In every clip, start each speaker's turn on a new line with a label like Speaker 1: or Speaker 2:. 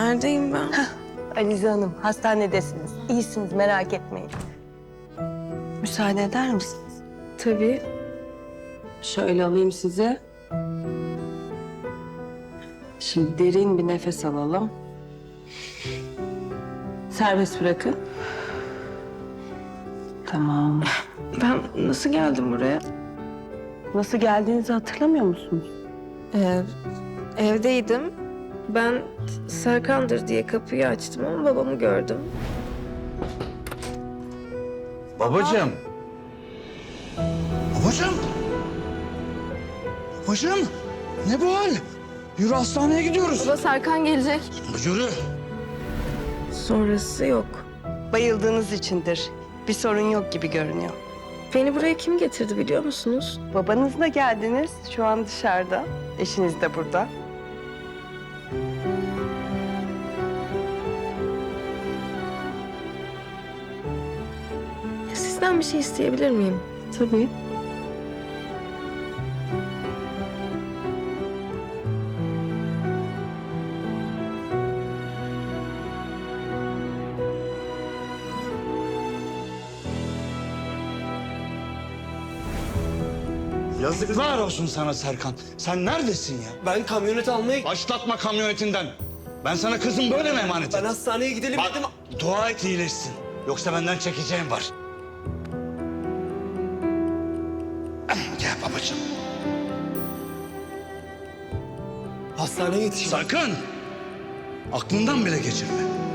Speaker 1: Neredeyim ben?
Speaker 2: Alize Hanım, hastanedesiniz. İyisiniz, merak etmeyin. Müsaade eder misiniz?
Speaker 1: Tabii.
Speaker 2: Şöyle alayım sizi. Şimdi derin bir nefes alalım. Serbest bırakın. Tamam.
Speaker 1: Ben nasıl geldim buraya?
Speaker 2: Nasıl geldiğinizi hatırlamıyor musunuz?
Speaker 1: Evdeydim. Ben Serkan'dır diye kapıyı açtım ama babamı gördüm.
Speaker 3: Babacığım. Babacığım. Babacığım. Ne bu hal? Yürü hastaneye gidiyoruz.
Speaker 1: Baba Serkan gelecek.
Speaker 3: Yürü.
Speaker 1: Sonrası yok.
Speaker 2: Bayıldığınız içindir. Bir sorun yok gibi görünüyor.
Speaker 1: Beni buraya kim getirdi biliyor musunuz?
Speaker 2: Babanızla geldiniz. Şu an dışarıda. Eşiniz de burada.
Speaker 1: Sizden bir şey isteyebilir miyim?
Speaker 2: Tabii.
Speaker 3: Yazıklar olsun sana Serkan. Sen neredesin ya?
Speaker 4: Ben kamyonet almaya...
Speaker 3: Başlatma kamyonetinden. Ben sana kızım böyle mi emanet
Speaker 4: Ben
Speaker 3: ettim?
Speaker 4: hastaneye gidelim
Speaker 3: Bak,
Speaker 4: dedim.
Speaker 3: dua et iyileşsin. Yoksa benden çekeceğim var. Gel babacığım.
Speaker 4: Hastaneye yetişin.
Speaker 3: Sakın. Aklından bile geçirme.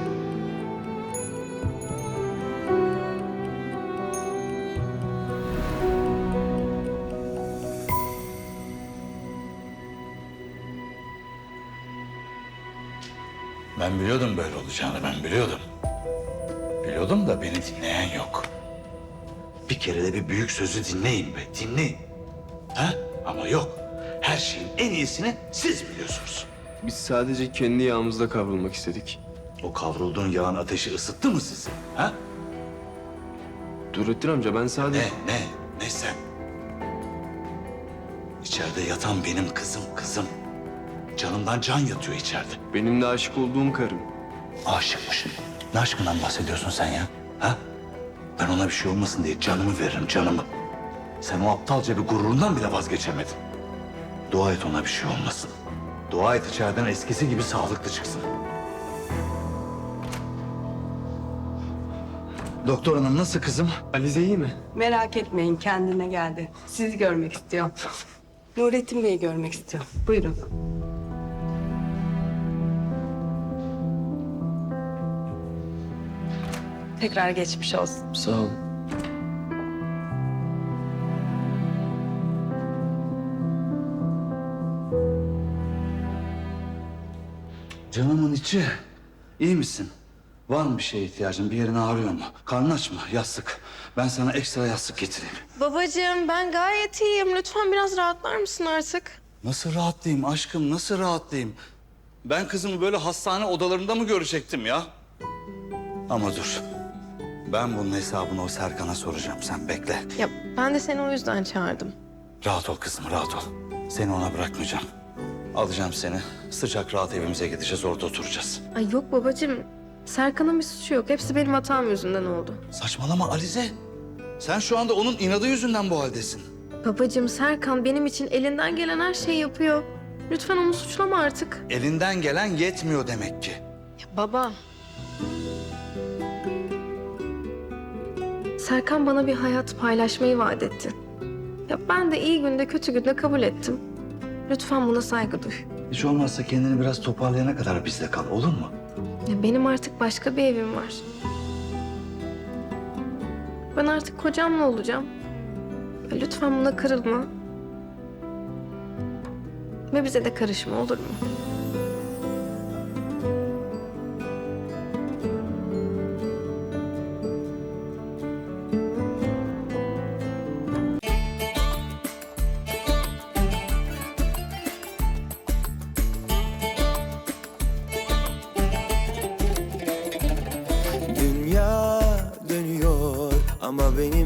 Speaker 3: Ben biliyordum böyle olacağını, ben biliyordum. Biliyordum da beni dinleyen yok. Bir kere de bir büyük sözü dinleyin be, dinleyin. Ha? Ama yok. Her şeyin en iyisini siz biliyorsunuz.
Speaker 4: Biz sadece kendi yağımızda kavrulmak istedik.
Speaker 3: O kavrulduğun yağın ateşi ısıttı mı sizi? Ha?
Speaker 4: Nurettin amca ben sadece...
Speaker 3: Ne sen? İçeride yatan benim kızım. Canımdan can yatıyor içeride.
Speaker 4: Benim de aşık olduğum karım.
Speaker 3: Aşıkmış. Ne aşkından bahsediyorsun sen ya? Ha? Ben ona bir şey olmasın diye canımı veririm, canımı. Sen o aptalca bir gururundan bile vazgeçemedin. Dua et ona bir şey olmasın. Dua et içeriden eskisi gibi sağlıklı çıksın. Doktor hanım nasıl kızım?
Speaker 4: Alize iyi mi?
Speaker 2: Merak etmeyin, kendine geldi. Sizi görmek istiyor. Nurettin Bey'i görmek istiyor. Buyurun. Tekrar geçmiş olsun.
Speaker 4: Sağ ol.
Speaker 3: Canımın içi. İyi misin? Var mı bir şeye ihtiyacın? Bir yerin ağrıyor mu? Karnın aç mı? Yastık. Ben sana ekstra yastık getireyim.
Speaker 1: Babacığım ben gayet iyiyim. Lütfen biraz rahatlar mısın artık?
Speaker 3: Nasıl rahatlayayım aşkım? Nasıl rahatlayayım? Ben kızımı böyle hastane odalarında mı görecektim ya? Ama dur. Ben bunun hesabını o Serkan'a soracağım. Sen bekle.
Speaker 1: Ya ben de seni o yüzden çağırdım.
Speaker 3: Rahat ol kızım, rahat ol. Seni ona bırakmayacağım. Alacağım seni. Sıcak rahat evimize gideceğiz. Orada oturacağız.
Speaker 1: Ay yok babacığım. Serkan'ın bir suçu yok. Hepsi benim hatam yüzünden oldu.
Speaker 3: Saçmalama Alize. Sen şu anda onun inadı yüzünden bu haldesin.
Speaker 1: Babacığım Serkan benim için elinden gelen her şeyi yapıyor. Lütfen onu suçlama artık.
Speaker 3: Elinden gelen yetmiyor demek ki.
Speaker 1: Ya baba. Serkan bana bir hayat paylaşmayı vaat etti. Ya ben de iyi günde kötü günde kabul ettim. Lütfen buna saygı duy.
Speaker 3: Hiç olmazsa kendini biraz toparlayana kadar bizde kal, olur mu?
Speaker 1: Ya benim artık başka bir evim var. Ben artık kocamla olacağım. Ya lütfen buna kırılma. Ve bize de karışma, olur mu?